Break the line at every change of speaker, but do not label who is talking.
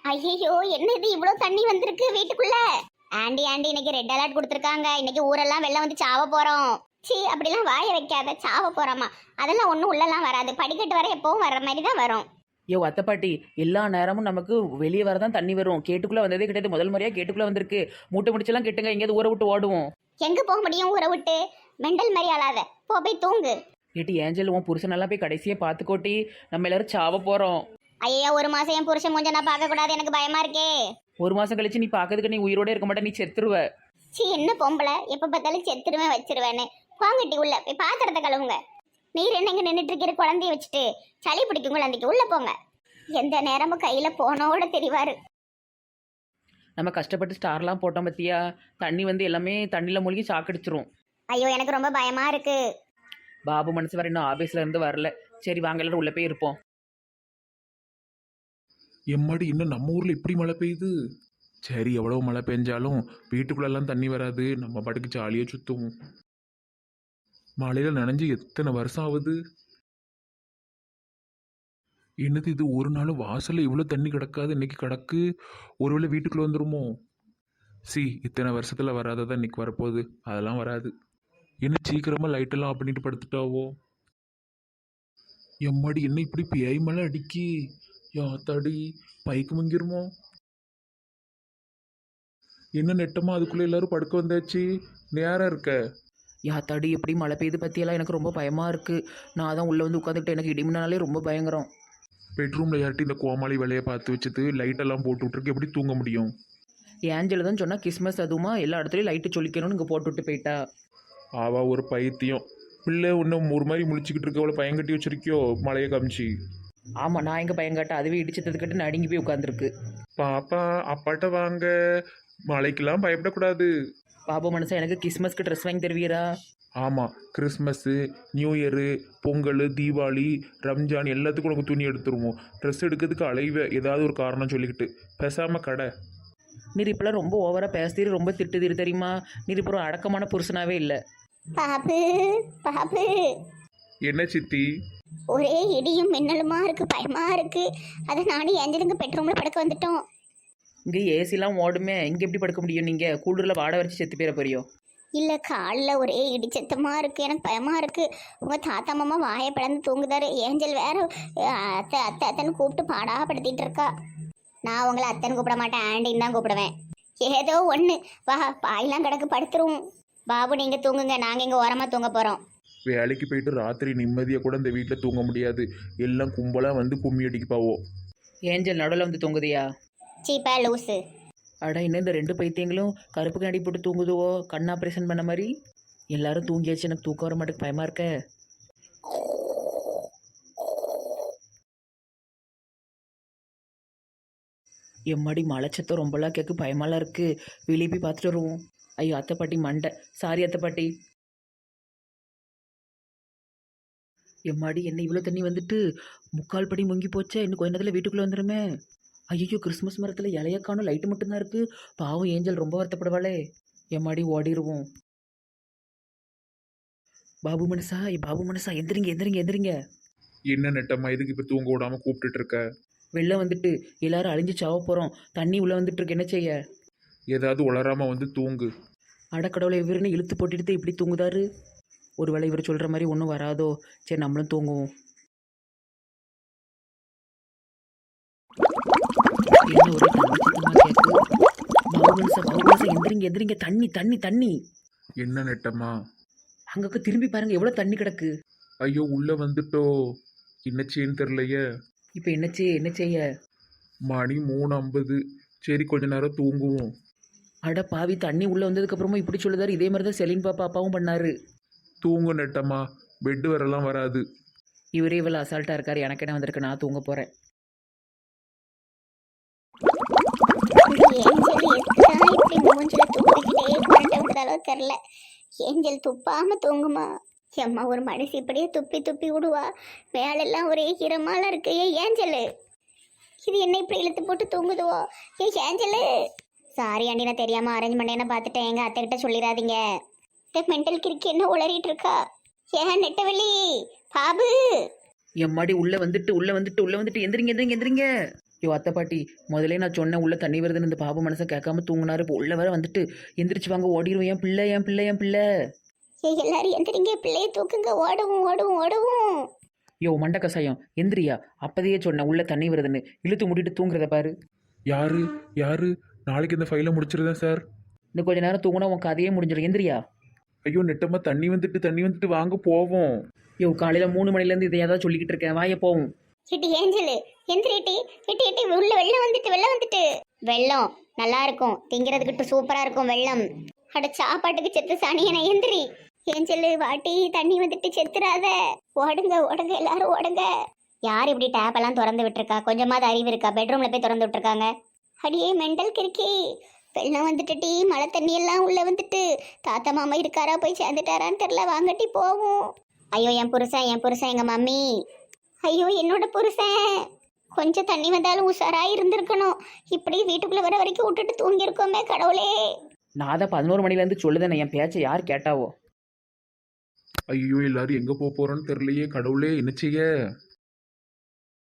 ஐயோ, என்ன இது இவ்வளவு தண்ணி வந்திருக்கு வீட்டுக்குள்ள? ஆண்டி ஆண்டி, இன்னைக்கு ரெட் அலர்ட் கொடுத்துருக்காங்க. இன்னைக்கு ஊரெல்லாம் வெள்ளம் வந்து சாவ போறோம். சீ, அப்படிலாம் வாய வைக்காத. சாவ போறோமா? அதெல்லாம் ஒண்ணும் உள்ளலாம் வராது. படிக்கட்டு வர எப்பவும் வர்ற மாதிரி தான் வரும்.
ஐயோ அத்தைப்பாட்டி, எல்லா நேரமும் நமக்கு வெளியே வரதான் தண்ணி வரும். கேட்டுக்குள்ளே வந்ததே கிடையாது. முதல் முறையாக கேட்டுக்குள்ளே வந்திருக்கு. மூட்டை முடிச்செல்லாம் கெட்டுங்க, எங்கேயாவது ஊரை விட்டு ஓடுவோம்.
எங்க போக முடியும் ஊரை விட்டு? மெண்டல் மாதிரி ஆளாத. போய் தூங்கு.
ஏட்டி ஏஞ்சல், உன் புருஷனெல்லாம் போய் கடைசியாக பார்த்துக்கோட்டி. நம்ம எல்லாரும் சாவ போகிறோம்.
ஐயா, ஒரு மாசம் என் புருஷன் மூஞ்ச நான் பார்க்க கூடாது, எனக்கு பயமா இருக்கே.
ஒரு மாதம் கழிச்சு நீ பார்க்கறதுக்கு நீ உயிரோட இருக்க மாட்டே, நீ செத்துருவ.
சீ, என்ன பொம்பளை, எப்ப பார்த்தாலும் செத்துருவேன் வச்சிருவேன்னு. வாங்கட்டி உள்ள போய் பாத்திரத்தை கழுவுங்க. நீர் என்ன இங்க நின்றுட்டு இருக்கிற குழந்தைய வச்சுட்டு? சளி பிடிக்கும் குழந்தைக்கு, உள்ள போங்க. எந்த நேரமும் கையில போனோட தெரிவாரு.
நம்ம கஷ்டப்பட்டு ஸ்டார்லாம் போட்டோம் பத்தியா, தண்ணி வந்து எல்லாமே தண்ணியில் மூழ்கி சாக்கடிச்சிரும்.
ஐயோ, எனக்கு ரொம்ப பயமா இருக்கு.
பாபு மனசு வர இன்னும் ஆபீஸ்ல இருந்து வரல. சரி வாங்க எல்லாரும் உள்ள போய் இருப்போம்.
எம்மாடி, இன்னும் நம்ம ஊரில் இப்படி மழை பெய்யுது. சரி, எவ்வளோ மழை பெஞ்சாலும் வீட்டுக்குள்ளெல்லாம் தண்ணி வராது. நம்ம பாட்டுக்கு ஜாலியாக சுற்றுவோம். மழையில் நனைஞ்சு எத்தனை வருஷம் ஆகுது. என்னது இது, ஒரு நாள் வாசலில் இவ்வளோ தண்ணி கிடக்காது, இன்னைக்கு கிடக்கு. ஒருவேளை வீட்டுக்குள்ளே வந்துருமோ? இத்தனை வருஷத்தில் வராததான் இன்னைக்கு வரப்போகுது. அதெல்லாம் வராது. என்ன சீக்கிரமாக லைட்டெல்லாம் ஆஃப் பண்ணிட்டு படுத்துட்டாவோ? எம்மாடி, என்ன இப்படி பேய் மழை அடிக்கி. யாத்தாடி, பைக்கு முங்கிருமோ? என்ன நெட்டமா அதுக்குள்ளே எல்லாரும் படுக்க வந்தாச்சு. நேரம் இருக்க.
யாத்தாடி, எப்படி மழை பெய்யுது பற்றியெல்லாம் எனக்கு ரொம்ப பயமாக இருக்குது. நான் தான் உள்ளே வந்து உட்காந்துக்கிட்டு எனக்கு இடிமினாலே ரொம்ப பயங்கரம்.
பெட்ரூமில் யார்ட்டி இந்த கோமாளி வேலையை பார்த்து வச்சுட்டு லைட்டெல்லாம் போட்டு விட்ருக்கு, எப்படி தூங்க முடியும்?
ஏஞ்சல் தான் சொன்னால் கிறிஸ்மஸ் அதுவுமா எல்லா இடத்துலையும் லைட்டு சொல்லிக்கணும்னு இங்கே போட்டு விட்டு போயிட்டா.
ஆவா ஒரு பைத்தியம். பிள்ளை இன்னும் ஒரு மாதிரி முழிச்சிக்கிட்டு இருக்க, அவளை பயங்கட்டி வச்சிருக்கியோ மழையை காமிச்சு.
ஆமாம், நான் எங்கே பயங்காட்ட அதுவே இடிச்சதுக்கிட்டு நடுங்கி போய் உட்காந்துருக்கு.
பாப்பா, அப்பாட்ட வாங்க. மழைக்கெல்லாம் பயப்படக்கூடாது.
பாபு மனசா, எனக்கு கிறிஸ்மஸ்க்கு ட்ரெஸ் வாங்கி தருவீரா?
ஆமாம், Christmas, new year, Pongal, Deepavali, Ramzan எல்லாத்துக்கும் உனக்கு துணி எடுத்துருவோம். ட்ரெஸ் எடுக்கிறதுக்கு அலைவ ஏதாவது ஒரு காரணம் சொல்லிக்கிட்டு பேசாமல் கடை.
நீர் இப்பெல்லாம் ரொம்ப ஓவராக பேசுதீர், ரொம்ப திட்டுதீர் தெரியுமா? நீர் இப்போ ஒரு அடக்கமான புருஷனாவே இல்லை.
பாபு, பாபு.
என்ன சித்தி?
ஒரே இடியும் மின்னலுமா இருக்கு, பயமா இருக்கு. அதை நானும் ஏஞ்சலுங்க பெட்ரூம்ல படுக்க வந்துட்டோம்.
இங்கே ஏசிலாம் ஓடுமே, இங்கே எப்படி படுக்க முடியும்? நீங்கள் கூடுதலில் வாடகை வச்சு செத்து போயிட போறியோ?
இல்ல, காலில் ஒரே இடிச்சத்தமா இருக்கு, எனக்கு பயமா இருக்கு. உங்க தாத்தா மாமா வாயை பிளந்து தூங்குதாரு. ஏஞ்சல் வேற அத்தை அத்தை அத்தைன்னு கூப்பிட்டு பாடாப்படுத்திட்டு இருக்கா. நான் உங்களை அத்தைன்னு கூப்பிட மாட்டேன், ஆண்டின்னு தான் கூப்பிடுவேன். ஏதோ ஒன்று வா, பாயெல்லாம் கிடக்கு, படுத்துருவோம். பாபு நீங்க தூங்குங்க, நாங்க இங்க ஓரமா தூங்க போறோம்.
வேலைக்கு போயிட்டு ராத்திரி நிம்மதியாக கூட இந்த வீட்டில் தூங்க முடியாது. எல்லாம் கும்பலாக வந்து கும்மி அடிக்குப்பாவோ.
ஏஞ்சல் நடுவில் வந்து தூங்குதியா?
சீப்பா லூஸு.
அடா, இன்னும் இந்த ரெண்டு பைத்தியங்களும் கருப்பு கண்ணாடி போட்டு தூங்குதுவோ, கண் ஆப்ரேஷன் பண்ண மாதிரி. எல்லாரும் தூங்கியாச்சு, எனக்கு தூக்கம் வர மாட்டேக்கு, பயமாக இருக்க. எம்மாடி, மலைச்சத்தம் ரொம்பலாம் கேட்கு, பயமாலாம் இருக்குது. வெளியே போய் பார்த்துட்டு வருவோம். ஐயோ அத்தை பாட்டி மண்டை, சாரி அத்தை பாட்டி. எம்மாடி, என்ன இவ்வளோ தண்ணி வந்துட்டு முக்கால் படி முங்கி போச்சே. இன்னும் கொஞ்ச நேரத்தில் வீட்டுக்குள்ளே வந்துடுமே. ஐயோ, கிறிஸ்மஸ் மரத்தில் இலையக்கானும் லைட்டு மட்டும்தான் இருக்குது. பாவம் ஏஞ்சல் ரொம்ப வருத்தப்படுவாளே. எம்மாடி, ஓடிடுவோம். பாபு மனசா, பாபு மனசா, எந்திரிங்க எந்திரிங்க எந்திரிங்க.
என்ன நெட்டம்மா, இதுக்கு இப்போ தூங்க விடாமல் கூப்பிட்டுட்டு இருக்க?
வெளில வந்துட்டு எல்லாரும் அழிஞ்சு சாவ போகிறோம். தண்ணி உள்ளே வந்துட்டு இருக்கு, என்ன செய்ய?
ஏதாவது உளராமல் வந்து தூங்கு.
அடக்கடவுளை, இவருன்னு இழுத்து போட்டுட்டு இப்படி தூங்குதாரு. ஒருவேளை இவர் சொல்கிற மாதிரி ஒன்றும் வராதோ. சரி, நம்மளும் தூங்குவோம். என்ன ஒரே தண்ணி சத்தமாக கேட்கு. பாபுமனசா எந்திரிங்க எந்திரிங்க, தண்ணி தண்ணி தண்ணி.
என்ன நெட்டம்மா?
அங்கே திரும்பி பாருங்க, எவ்வளோ தண்ணி கிடக்கு.
ஐயோ, உள்ளே வந்துட்டோ. என்னச்சேன்னு தெரிலையே.
இப்போ என்ன செய்ய?
மணி 3:50. சரி, கொஞ்ச நேரம் தூங்குவோம்.
அட பாவி, தண்ணி உள்ளே வந்ததுக்கப்புறமா இப்படி சொல்லுதாரு. இதே மாதிரி தான் செலின் பாப்பா அப்பாவும் பண்ணாரு.
தூங்கு நெட்டம்மா, பெட்டு வரலாம் வராது.
இவரே இவ்வளோ அசால்ட்டாக இருக்காரு. எனக்கு என்ன வந்திருக்கு, நான் தூங்க போகிறேன்.
ஏஞ்சல் எதுக்குதான் இப்படி மூஞ்சில துப்பிக்கிட்டே கொண்டு விடுதாலோ தெரில. ஏஞ்சல் துப்பாம தூங்குமா? எம்மா, ஒரு மனுஷி இப்படியே துப்பி துப்பி விடுவா? மேலெல்லாம் ஒரே ஈரமால இருக்கு. ஏஞ்சலு, இது என்ன இப்படி இழுத்து போட்டு தூங்குதுவோ? ஏஞ்சலு. சாரி ஆண்டி, நான் தெரியாம அரேஞ்ச் பண்ணேன்னு பார்த்துட்டேன். எங்க அத்தை கிட்ட சொல்லிடாதீங்க. மென்டல் கிறுக்கி என்ன உளறிட்டு இருக்கா? ஏன் நெட்டவெளி, பாபு.
எம்மாடி, உள்ளே வந்துட்டு எந்திரிங்க எந்திரிங்க எந்திரிங்க. ஐயோ அத்தை பாட்டி, முதலே நான் சொன்னேன் உள்ள தண்ணி வருதுன்னு. இந்த பாபு மனசை கேட்காம தூங்கினாரு. இப்போ உள்ள வேற வந்துட்டு எந்திரிச்சு வாங்க ஓடிடுவோம். என் பிள்ளை என் பிள்ளை என் பிள்ளை.
ஏய் எல்லாரும் எந்திரிங்க, பிள்ளைய தூக்குங்க, ஓடுவோம் ஓடுவோம் ஓடுவோம்.
யோ மண்ட கசாயம் எந்திரியா, அப்பதையே சொன்னேன் உள்ள தண்ணி வருதுன்னு. இழுத்து மூடிட்டு தூங்குறத பாரு.
யாரு யாரு? நாளைக்கு இந்த ஃபைலை முடிச்சிருந்தேன் சார்.
இன்னும் கொஞ்ச நேரம் தூங்கினா உன் கதையே முடிஞ்சிடும். எந்திரியா.
ஐயோ நெட்டம்மா, தண்ணி வந்துட்டு வாங்க போவோம்.
யோ காலையில் 3 மணிலேருந்து இதை ஏதாவது சொல்லிக்கிட்டு இருக்கேன். வாய போவோம்.
எட்டி ஏஞ்சலு எந்திரிட்டி, எட்டி எட்டி உள்ள வெள்ளம் வந்துட்டு வெள்ளம் வந்துட்டு. வெள்ளம் நல்லா இருக்கும், திங்கிறதுக்கிட்டு சூப்பரா இருக்கும் வெள்ளம். அட சாப்பாட்டுக்கு செத்து சனியனை எந்திரி. ஏஞ்சலு வாட்டி, தண்ணி வந்துட்டு செத்துறாத. ஓடுங்க ஓடுங்க எல்லாரும் ஓடுங்க. யார் இப்படி டேப் எல்லாம் திறந்து விட்டுருக்கா? கொஞ்சமாவது அறிவு இருக்கா? பெட்ரூம்ல போய் திறந்து விட்டுருக்காங்க. அடியே மெண்டல் கிறுக்கி, வெள்ளம் வந்துட்டு டீ, மழை தண்ணி எல்லாம் உள்ள வந்துட்டு. தாத்தா மாமா இருக்காரா, போய் சேர்ந்துட்டாரான்னு தெரியல. வாங்கட்டி போவோம். ஐயோ என் புருஷன் எங்க மம்மி. ஐயோ என்னோட புருஷன். கொஞ்சம் தண்ணி வந்தாலும் உஷாரா இருந்திருக்கணும். இப்படி வீட்டுக்குள்ள வர வரைக்கும் விட்டுட்டு தூங்கியிருக்கோமே கடவுளே.
நான் தான் 11 மணிலேருந்து சொல்லுதேன், என் பேச்சை யார் கேட்டாவோ?
ஐயோ எல்லாரும் எங்க போறோம்னு தெரியலையே கடவுளே, என்ன செய்ய?